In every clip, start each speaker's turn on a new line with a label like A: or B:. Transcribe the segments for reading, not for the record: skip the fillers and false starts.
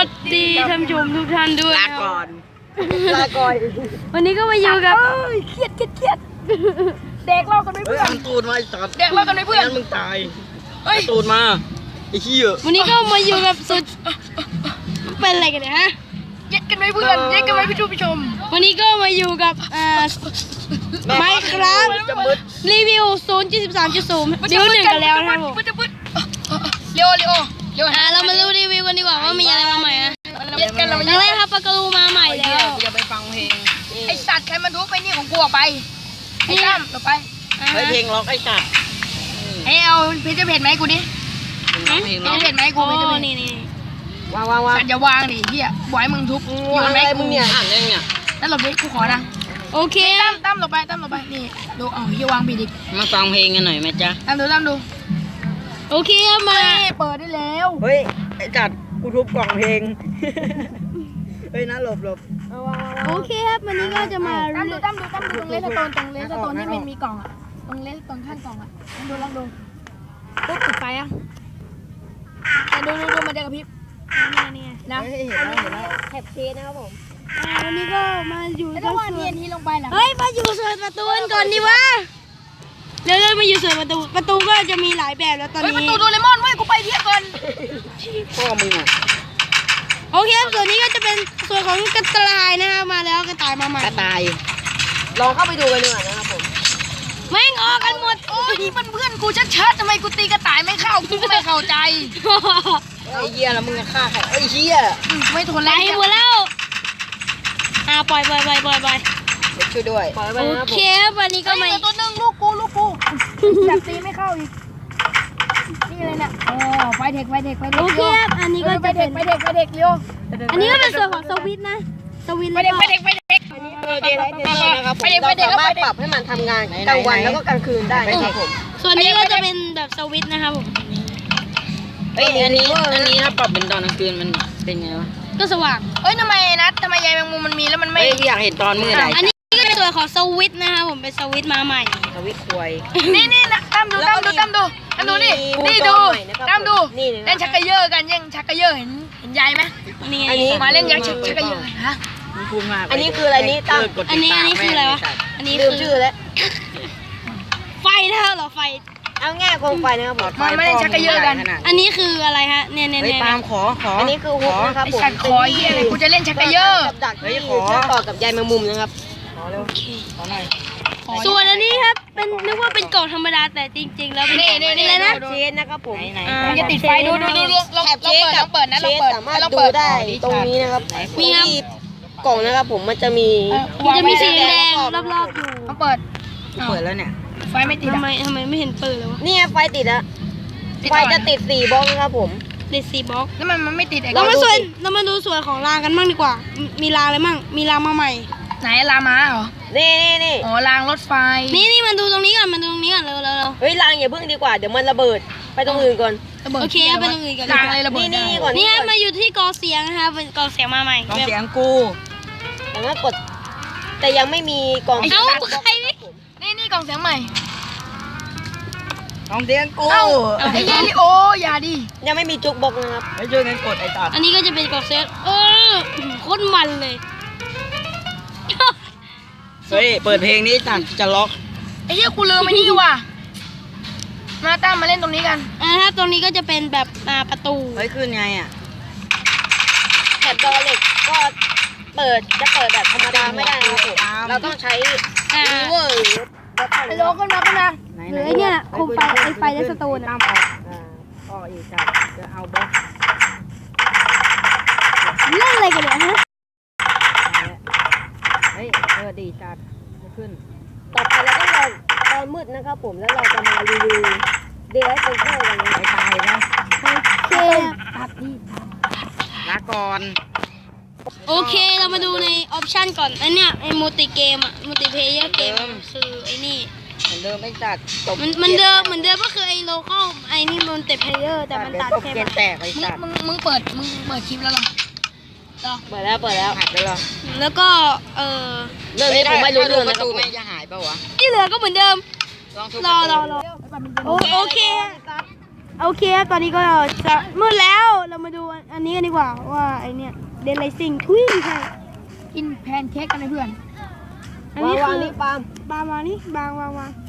A: วัสดีท่านผู้ชมทุกท่านด้วย
B: ลาก่อน
A: วันนี้ก็มาอยู่กับ
C: เครียดเด็กเล่ากันไม่
B: เฮ้ย
C: เพื่อน
B: เอาตูดมาไอ้สัตว์
C: เด็กเล่ากันไม่เพื่อน
B: งั้นมึงตายเอาตูดมาไอ้เหี้ย
A: วันนี้ก็มาอยู่กับสุดเป็นอะไรกันเนี่ยฮะ
C: เย็ดกันไม่เพื่อนเย็ดกันไม่ผู้ชม
A: วันนี้ก็มาอยู่กับไมค์ครับรีวิว 0.13.0 ดิวหนึ่งกันแล้วนะครับผม
C: มันจะมืดเร็ว
A: เรามาดูรีวิวกันดีกว่าว่ามีอะไรมาใหม่นะ
C: เย็ดกันเรา
A: ตอนแรกครับปากกาลูมาใหม่แล้ว
C: อย่าไปฟังเพลงไอสัตว์ใครมันทุบไปนี่ของกูออกไปไอ้ตั้มต่อไป
B: เฮ้ยเพลงล็อกไอ้สัตว์
C: ไอเอาเพจจะเผ็ดไหมกูดิ
B: เพลง
C: เพ
B: ล็อก
C: จเผ็ดไหมกู
A: โอ้
C: เพจจะเผ็ด
A: นี่
B: วาง
C: สัตว์อย่าวางดิเฮียบ่อยมึงทุบโยนไหมกูเนี่ย
B: อ่านได้เนี่ย
C: นั่นหลบดิกูขอนะ
A: โอเค
C: ตั้มต่อไปนี่ดูเอาเฮียวางผิดอีก
B: มาฟังเพลงกันหน่อยไหมจ๊ะ
C: ตั้มดู
A: โอเคครับมา
C: เปิดได้แล้ว
B: เฮ้ยไอ้จัดกูทุบกล่องเพลงเฮ้ยนะหลบ
A: โอเคครับวันนี้ก็จะมา
C: ตั้มดูตรงเลสโตนที่มันมีกล่องอ่ะตรงเลสโตนข้างกล่องอ่ะลองดูปุ๊บปิดไฟอ่ะดูมันจะกระพริบนะ
B: เฮ้ยเห็นแล้ว
C: แคปเชสนะครับผม
A: วันนี้ก็มาอยู่
C: แล้วถ้าว่าเนียนนี้ลงไปล่ะ
A: เฮ้ยมาอยู่ส่วนประตูกันก่อนดีวะเดี๋ยวมาอยู่ส่วนประตูก็จะมีหลายแบบแล้วตอน
C: เฮ้ยประ
A: นี้
C: ตูโดเรมอนเว้ยกูไปเที่ยวก่อน
B: พ่อมึงอ่ะ
A: โอเคส่วนนี้ก็จะเป็นส่วนของกระต่ายนะครับมาแล้วกระต่ายมาใหม่
B: กระต่าย
C: ลองเข้าไปดูกันดีกว่านะครับผม
A: แม่งออกกันหมด
C: โอ้ยนี่มันเพื่อนกูชัดๆทำไมกูตีกระต่ายไม่เข้ากูไม่เข้าใจ
B: ไอ้เหี้ยแล้วมึงจะฆ่าใครไอ้เหี้ย
C: ไม่ทน
A: ไหล
C: แล้ว
A: หมดแล้วปล่อย
B: เด็กช่วยด้วย
A: โอเควันนี้ก็
C: ก็
A: มา
C: ไม่ตัวนึงลูกกูจับตีไม่เข้าอีกนี่เลยนะโอ้ไฟเทค
A: โอเคครับอันนี้ก็จะเป็น
C: ไฟเทคเร็ว
A: อันนี้ก็เป็นส่วนของสวิตช์นะสวิตช์
C: ไฟ
A: แล้ว
C: เด็
A: ก็
C: ก
B: นะครับผม
C: เราสามารถ
B: ปรับให้มันทำงานกลางวันแล้วก็กลางคืนได้นะครับผม
A: ส่วนนี้ก็จะเป็นแบบสวิตช์นะครับผม
B: เฮ้ยอันนี้ถ้าปรับเป็นตอนกลางคืนมันเป็นไงวะ
A: ก็สว่าง
C: เอ้ยทำไมยายแมงมุมมันมีแล้วมันไม่
B: เฮ้ยอยากเห็นตอนมือไหน
A: อันนี้ก็เป็นส่วนของสวิตช์นะครับผมเป็นสวิตช์มาใหม่
B: ทวิตควย
C: นี่นะตั้มดูนี่ดูตั้มดูเล่นชักกระเยอะกันยังชักกระเยอะเห็นยายไหม
A: นี่
B: อันนี้
C: มาเล่นชักกระเยอะฮะ
B: มันพูดมาก
D: อันนี้คืออะไรนี่ตั้ม
A: อันนี้คืออะไรวะอันนี้
D: ลื
A: คื
D: มชื่อแล้ว
A: ไฟนะครับเหรอไฟ
D: เอาง่ายโคมไฟนะครับผม
C: มันไม่เล่นชักกระเยอะกัน
A: อันนี้คืออะไรฮะเนี่ย
B: เฮ้ยปาล์มขอ
D: อันนี้คือฮุกนะครับ
C: ไอ
D: ผม
C: สัตว์คอเยี่ยอะไรกูจะเล่นชักกระเยอะ
D: กับดักที่เชื่อมต่อกับใยแมงมุมนะครับ
A: โอเค
B: ขอหน่อย
A: ส่วนอันนี้ครับเป็นนึกว่าเป็นกล่องธรรมดาแต่จริงๆแล้วเป็น
C: นี่
A: อะไรนะ
D: เชนนะครับผม
B: ไหน
C: มันจะติดไฟดูลองเปิดนะ
D: เช
C: ลอง
D: น
C: เปิด
D: สามารถ
C: ลอง
D: ดู
C: เปิด
D: ได้ตรงนี้นะครับ
A: มีครับ
D: ที่กล่องนะครับผมมันจะมี
A: มันจะมีสีแดงรอบๆอยู่
C: ลองเปิด
B: เปิดแล้วเนี่ย
C: ไฟไม่ติด
A: ทำไมไม่เห็นเปิดเลยวะ
D: นี่ไงไฟติดแล้วไฟจะติด4บล็อกนะครับผม
A: ติด4บล็อก
C: แล้วมันไม่ติดไอ้
A: เรามาดูส่วนของรางกันบ้างดีกว่า มีรางอะไรบ้างมีรางมาใหม่
C: ไหนลามาเหรอ
D: นี่
C: อ๋อรางรถไฟ
A: นี่มันดูตรงนี้ก่อนเร็ว
D: เฮ้ยรางอย่าเพิ่งดีกว่าเดี๋ยวมันระเบิดไปตรงอื่นก่อน
A: โอเคไปตรงอื่นกัน
C: รางอะไรระเบิด
D: นี่ก่อน
A: นี่มาอยู่ที่กอเสียงนะคะเป็นกอเสียงมาใหม่
B: ต้องเสียงกู
D: สามารถกดแต่ยังไม่มีกล่อง
A: เอ้าใคร
C: นี่กล่องเสียงใหม่
B: ต้องเสียงกู
C: เอ้าไอ้เยลิโออย่าดิ
D: ยังไม่มีจุกบล็อกนะครับ
B: ให้ช่วยกันกดไอ้ตัด
A: อันนี้ก็จะเป็นกอเสียงโคตรมันเลย
B: เฮ้ยเปิดเพลงนี้ตัดจะล็อก
C: ไอ้เหี้ยกูลืมไอ้นี่ว่ะมาตั้มมาเล่นตรงนี้กัน
A: ถ้าตรงนี้ก็จะเป็นแบบประตู
B: เฮ้ยขึ้นไงอ่ะ
D: แถบดอเหล็กก็จะเปิดแบบธรรมดาไม่ได้นะครับผมเราต้องใช้รีเวอร์
C: ไอ้โลขึ้นมา
B: ไหน
A: หรือไอ้เนี่ยโคมไฟไฟและสโตน
B: ตามออกอีกจัดจะเอาบล็อก
A: เล่นอะไรกันเนี่ยฮะ
B: เฮ้ยดีจัดจะขึ้น
D: ต่อไปเราต้องรอตอนมืดนะครับผมแล้วเราจะมารีวิวเดย์ไอเซอร์กันนะ
B: ไอ้ตายนะ
A: โอเค
B: ลาก่อน
A: โอเคเรามาดูในออปชันก่อนอันเนี้ยไอ้มัลติเกมอะมัลติเพลเยอร์เกมคือไอ้นี่
B: เหมือนเดิมไอ้จัดจบ
A: มันเดิมก็คือไอ้โลคอลไอ้นี่มัลติเพลเยอร์แต่มันตัด
B: จบ
A: แค่
B: เกมแตกไอ้จัด
C: มึงเปิดคลิปแล้วเหรอ
D: เปิดแล้ว
B: หักแล้วเหรอ
A: แล้วก็
D: เรื่องนี้ผมไม่รู้เรื่อง
B: ป
D: นะ
B: ระ
D: ครั
B: ตู
D: บผม
B: แม่งจะหายเปล่าวะ
A: ที่เหลือก็เหมือนเดิม
B: ลองทุบ
A: รอโอเคตอนนี้ก็จะมืดแล้วเรามาดูอันนี้กันดีกว่าว่าไอเนี่ยเดนไลซิงทุยใช่
C: กินแพนเค้กกันเลยเพื่อน
A: อันนี้คือ
D: นี่ปาล์ม
A: บางวางนี่บางวาง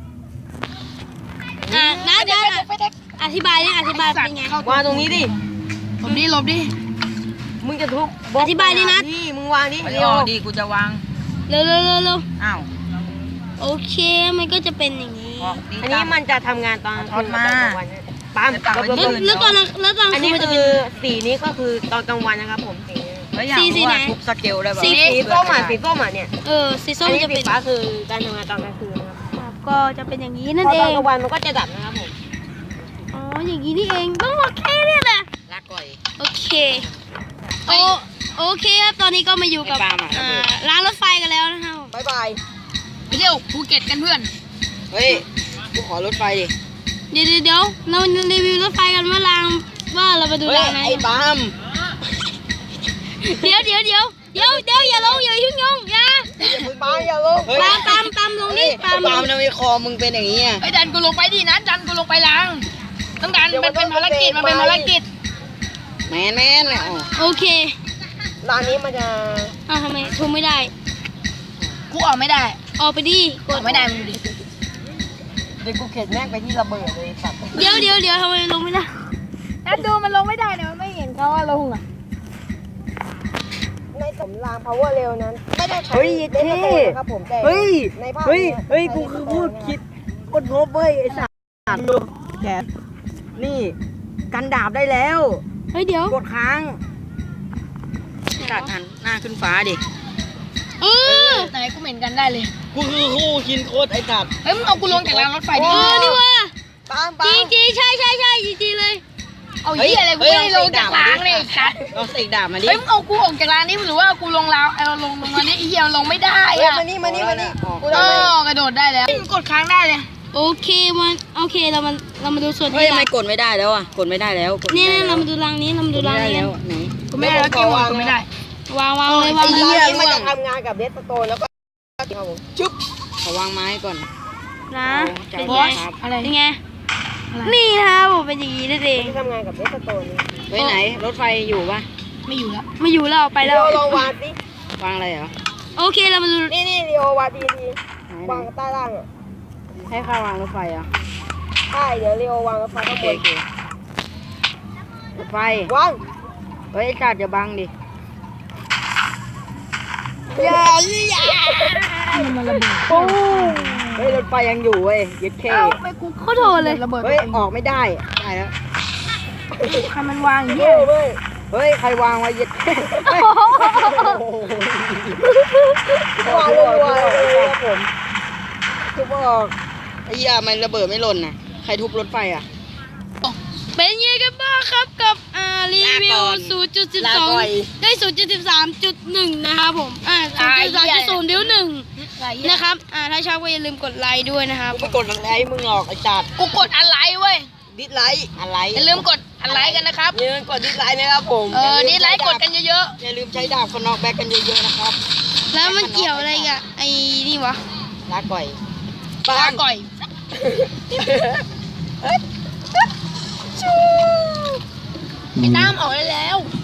A: นะอธิบายนี่อธิบายเป็นไง
D: วางตรงนี้ดิ
C: หลบดิ
D: มึงจะทุบ
A: อธิบายดินะ
D: นี่มึงวางดิ
B: ไม่
D: เร็
B: อ
D: ว
B: อกดีกูจะวาง
A: เร็ว
B: อ้าว
A: โอเคมันก็จะเป็นอย่างนี้
B: ออกดี
D: อันนี้มันจะทำงานตอน
B: ทอดมา
D: ปาล์ม
A: แล้วตอน
D: อัน
A: คื
D: นี้
A: นมันจะเป็
D: คื
A: น
D: อสีนี้ก็คือตอนกลางวันนะครับผมสีนี้
B: แล้วอยาก
A: สี
B: รู้
A: ไหน
B: ว่าทุบสเกลได้ป่ะ
A: สี
D: สีส้มอ่ะสีส้มอ่ะเนี่ย
A: สีส้
D: อั
A: ม
D: นนี้
A: จะ
D: สี
A: เป็น
D: ฟ้าคือการทำงานตอนกลางคืนนะครับ
A: ก็จะเป็นอย่างนี้
D: พ
A: นั่น
D: อ
A: เอ
D: ตอน
A: ง
D: กลางวันมันก็จะดับนะครับผม
A: อ๋ออย่างนี้นี่เองต้องโอเคเนี่ยแหละ
B: ลากก่อย
A: โอเคโอเคครับตอนนี้ก็มาอยู่กับ
B: ไอ้ปาล์มอะ
A: ร้านรถไฟกันแล้วนะครับ
D: บายบาย
C: ไปเที่ยวภูเก็ตกันเพื่อน
B: เฮ้ยกูขอรถไฟดิ
A: เดี๋ยวเรารีวิวรถไฟกันว่าเราไปดู
B: เฮ้ย
A: รางไหน
B: ไอ้ปาล์ม
A: เดี๋ยวอย่าลงอย่ายุ่งยงอย่า
D: ปาล์มอย่าลง
B: เฮ้ย
A: ตามลงนี่ตาม
B: ปาล์มทำไมคอมึงเป็นอย่างนี้อ่ะ
C: ไอ้ดันกูลงไปดินะดันกูลงไปล้างต้องดันมันเป็นภารกิจ
B: แมนเนี่ยอ๋อ
A: โอเค
D: ร้านนี้มันจะ
A: ทำไมทุบไม่ได้
C: กูออกไม่ได้
A: ออกไปดิก
C: อ
A: ด
C: อกไม่ได้มึงดูดิ
D: เดี๋ยวกูเข็นแม่งไปที่ระเบิดเลยสัตว์
A: เดี๋ยวทำไมลงไม่ได้
C: ดันดูมันลงไม่ได้เนี่ยมันไม่เห็นเขาว่าลงอ่ะ
D: ในสำราง power เร็วนั้น ไม่ได้ใช้
B: เฮ้ย
D: เลนส์โตนะครับผมแต่ในภาพนี้
B: กูคือพูดคิดกดงบเว้ยไอ้สัตว์ดูแขนนี่กันดาบได้แล้ว
A: เฮ้ยเดี๋ยว
B: กดค้างตัดหันหน้าขึ้นฟ้าดิ
C: ไหนกูเหม็นกันได้เลย
B: กูคือคู่คินโคตรไอ้สัตว์
C: เฮ้ยมึงเอากูลงจากรางรถไฟดิ
A: นี่ว่า
D: ปาล์ม
A: จริงใช่จริงเลย
C: เอาเหี้ยอะไรกูไม่ได้ลงจากรางเลยไอ้สัส
B: เอาเสกดาบมาดิ
C: เฮ้ยมึงเอากูออกจากรางนี่หรือว่าเอากูลงรางเอาลงมานี่ไอ้เหี้ยมันลงไม่ได้
D: เฮ้ย
C: อ่ะ
D: มานี่กู
C: อ๋
D: ทำไม
C: อกระโดดได้แล้วกดค้างได้เลย
A: โอเคเรามาดูส่วน
B: เฮ้ย
A: ที่
B: ทำไมกดไม่ได้แล้วอ่ะกดไม่ได้แล้วกดไม่
A: นี่
B: ได้แล้ว
A: เรามาดูรางนี้ไหน
B: กดไม่ได้แล้วไหน
C: กูไม่ได้แล้วเกมกูไม่ได้
A: วางเลย
D: ไอ้
A: เล
D: ร้าน
A: ย
D: นี้มันจะทำงานกับเลสโตนแล้วก็ครับผม
B: ชุบขอวางไม้ก่อน
A: นะ
B: จับ
A: เป็น
B: บ
A: ไง
B: อสครับ
C: อะไร
A: เป็นไงนี่นะครับผมเป็นอย่างนี้นั่นเอง
D: มันจะทำงานกับเลสโตน
B: เฮ้ยไหนรถไฟอยู่ปะ
C: ไม่อยู่แล้ว
A: ไม่อยู่แล้วไปแล้ว
D: ลองวางสิ
B: วางอะไรเหรอ
A: โอเคเรามาดู
D: นี่เรียววางดี
B: ไหน
D: วางใต้ล่างอ่ะ
B: ให้ข้าวางรถไฟเหรอ่ะ
D: ใช่เดี๋ยวเรียววางไฟข้างบน
B: รถไฟ
D: วาง
B: เฮ้ยไอ้จัดอย่าบังดิ
D: อย่า
C: มันระเบิด
B: เฮ้ยรถไฟยังอยู่เว้ยยึดเค
C: ไม่กู
A: โคตรโหดเลย
C: ระเบิด
B: เฮ้ยออกไม่ได้ได้แล้ว
C: ใครมันวางอย่าง
D: เฮ้
C: เงี้ย
D: ยเว้ย
B: เฮ้ยใครวางไว้ยึดเค
D: วางรัวๆเลยครับผม
B: ทุบออกไอ้เหี้ยมันระเบิดไม่หล่นน่ะใครทุบรถไฟอ่ะ
A: เป็นยังไงกันบ้างครับกับรีวิว
B: ลาก่อน
A: 0.12 ได้ 0.13.1 นะครับผม0.13.0 นิ้ว1นะครับถ้าชอบก็อย่าลืมกดไลค์ด้วยนะครับ
B: กูไม่กดอะไรให้มึงหรอกไอ้จัด
C: กูกดอะไรเว้ย
B: ดิสไลค์อะไร
C: อย่าลืมกดอะไรกันนะครับ
B: อย่าลืมกดดิสไลค์นะครับผม
C: นี่ไลค์กดกันเยอะ
B: อย่าลืมใช้ดาบคนนอกแบกกันเยอะๆนะครับ
A: แล้วมันเกี่ยวอะไรกับไอ้นี่วะ
B: ลาก่อย
C: ๆปลาก่อยไอ้น้ำออกได้แล้ว